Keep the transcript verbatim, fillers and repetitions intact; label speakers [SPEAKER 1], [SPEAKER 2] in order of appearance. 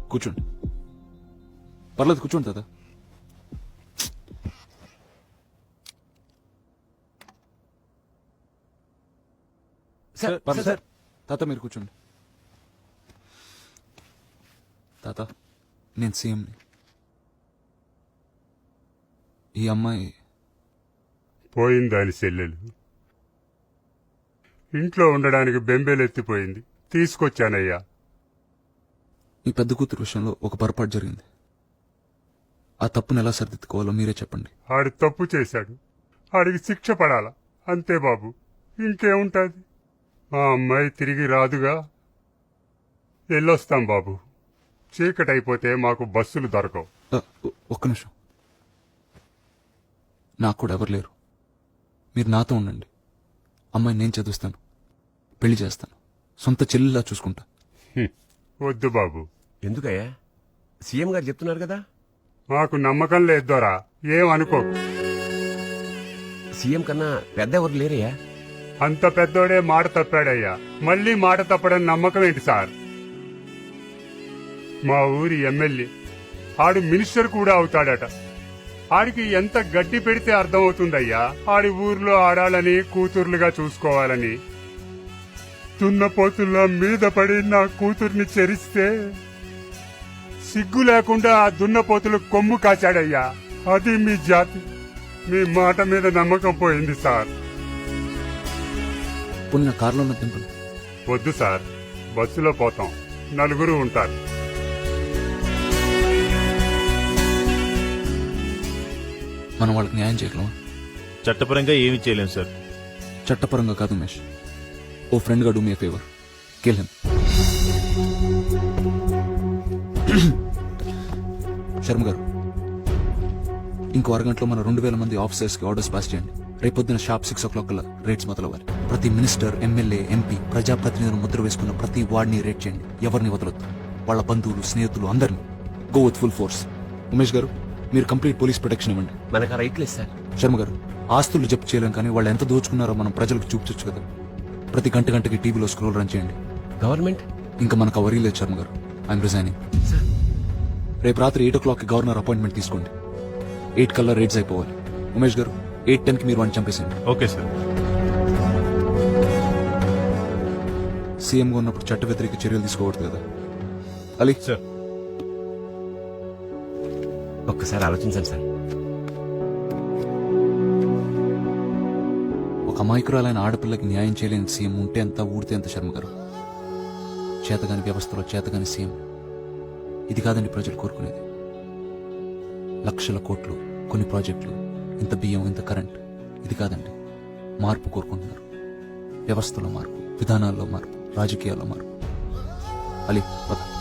[SPEAKER 1] కూర్చోండి, పర్లేదు కూర్చోండి తాత.
[SPEAKER 2] సార్
[SPEAKER 1] పర్లేదు
[SPEAKER 2] సార్
[SPEAKER 1] తాత మీరు కూర్చోండి. తాత నేను సీఎంని. ఈ అమ్మాయి
[SPEAKER 3] పోయిందాని చెల్లెలు ఇంట్లో ఉండడానికి బెంబేలెత్తిపోయింది, తీసుకొచ్చానయ్యా.
[SPEAKER 1] మీ పెద్ద కూతురు విషయంలో ఒక పొరపాటు జరిగింది. ఆ తప్పును ఎలా సరిదిద్దుకోవాలో మీరే చెప్పండి.
[SPEAKER 3] ఆడు తప్పు చేశాడు, ఆడికి శిక్ష పడాలా అంతే బాబు, ఇంకేముంటుంది. మా అమ్మాయి తిరిగి రాదుగా. వెళ్ళొస్తాం బాబు, చీకటైపోతే మాకు బస్సులు దొరకవు.
[SPEAKER 1] ఆ, ఒ- ఒక్క నిమిషం. నాకు కూడా ఎవరు లేరు, మీరు నాతో ఉండండి. అమ్మాయి నేను చదివిస్తాను, పెళ్లి చేస్తాను, సొంత చెల్లిలా చూసుకుంటా.
[SPEAKER 3] హ్మ్. వద్దు బాబు,
[SPEAKER 2] ఎందుకయ్యా? సీఎం గారు చెప్తున్నారు కదా.
[SPEAKER 3] మాకు నమ్మకం లేదు దొరా, ఏమనుకో.
[SPEAKER 2] సీఎం కన్నా పెద్ద ఎవరు లేరయ్యా.
[SPEAKER 3] అంత పెద్దోడే మాట తప్పాడయ్యా, మళ్ళీ మాట తప్పడం నమ్మకం ఏంటి సార్? మా ఊరి ఎమ్మెల్యే ఆడు మినిస్టర్ కూడా అవుతాడట. ఆడికి ఎంత గడ్డి పెడితే అర్థమవుతుందయ్యా ఆడి ఊర్లో ఆడాలని కూతుర్లుగా చూసుకోవాలని. దున్నపోతుల్లా మీద పడి నా కూతుర్ని చెరిస్తే సిగ్గు లేకుండా ఆ దున్నపోతులు కొమ్ము కాచాడయ్యా. అది మీ జాతి. మీ మాట మీద నమ్మకం పోయింది సార్.
[SPEAKER 1] పుణ్య కారులో ఉన్న దింపలు.
[SPEAKER 3] వద్దు సార్, బస్సులో పోతాం, నలుగురు ఉంటారు.
[SPEAKER 1] మనం వాళ్ళకి న్యాయం చేయగలమా?
[SPEAKER 4] చట్టపరంగా ఏమీ చేయలేం సార్.
[SPEAKER 1] చట్టపరంగా కాదు ఉమేష్, ఓ ఫ్రెండ్ గా do me favour, kill him. Sharma garu, ఇంకో అరగంటలో మన రెండు వేల మంది ఆఫీసర్స్ కి ఆర్డర్స్ పాస్ చేయండి. రేపొద్దున షార్ప్ సిక్స్ ఓ క్లాక్ కల్లా రేట్స్ మొదలవ్వాలి. ప్రతి మినిస్టర్, ఎమ్మెల్యే, ఎంపీ, ప్రజాప్రతినిధులు ముద్ర వేసుకున్న ప్రతి వార్డ్ని రేట్ చేయండి. ఎవరిని వదలొద్దు, వాళ్ళ బంధువులు, స్నేహితులు అందరినీ. Go with full force. Umesh garu, మీరు కంప్లీట్ పోలీస్ ప్రొటెక్షన్ ఇవ్వండి.
[SPEAKER 2] మనకు ఆ రైట్ లేదు సార్.
[SPEAKER 1] శర్మ గారు, ఆస్తులు జప్తు చేయలేం, కానీ వాళ్ళు ఎంత దోచుకున్నారో మనం ప్రజలకు చూపించచ్చు కదా. ప్రతి గంట గంటకి టీవీలో స్క్రోల్ రన్ చేయండి.
[SPEAKER 2] గవర్నమెంట్
[SPEAKER 1] ఇంకా మనకు ఆ వరీ లేదు Sharma garu. I'm resigning.
[SPEAKER 2] Sir.
[SPEAKER 1] రేపు రాత్రి ఎయిట్ ఓ క్లాక్ కి గవర్నర్ అపాయింట్మెంట్ తీసుకోండి. ఎయిట్ కల్లా రేట్స్ అయిపోవాలి. ఉమేష్ గారు, ఎయిట్ టెన్ కి మీరు వాడిని చంపేసింది.
[SPEAKER 4] Okay sir.
[SPEAKER 1] సీఎంగా ఉన్నప్పుడు చట్ట వ్యతిరేక చర్యలు తీసుకోకూడదు కదా. అలీ
[SPEAKER 4] సార్.
[SPEAKER 2] ఒక్కసారి ఆలోచించండి సార్.
[SPEAKER 1] ఒక అమాయకురాలైన ఆడపిల్లకి న్యాయం చేయలేని సీఎం ఉంటే ఎంత, ఊడితే ఎంత. శర్మ గారు, చేతగాని వ్యవస్థలో చేతగాని సీఎం. ఇది కాదండి ప్రజలు కోరుకునేది. లక్షల కోట్లు, కొన్ని ప్రాజెక్టులు, ఇంత బియ్యం, ఇంత కరెంట్. ఇది కాదండి. మార్పు కోరుకుంటున్నారు. వ్యవస్థలో మార్పు, విధానాల్లో మార్పు, రాజకీయాల్లో మార్పు. అలీ పద.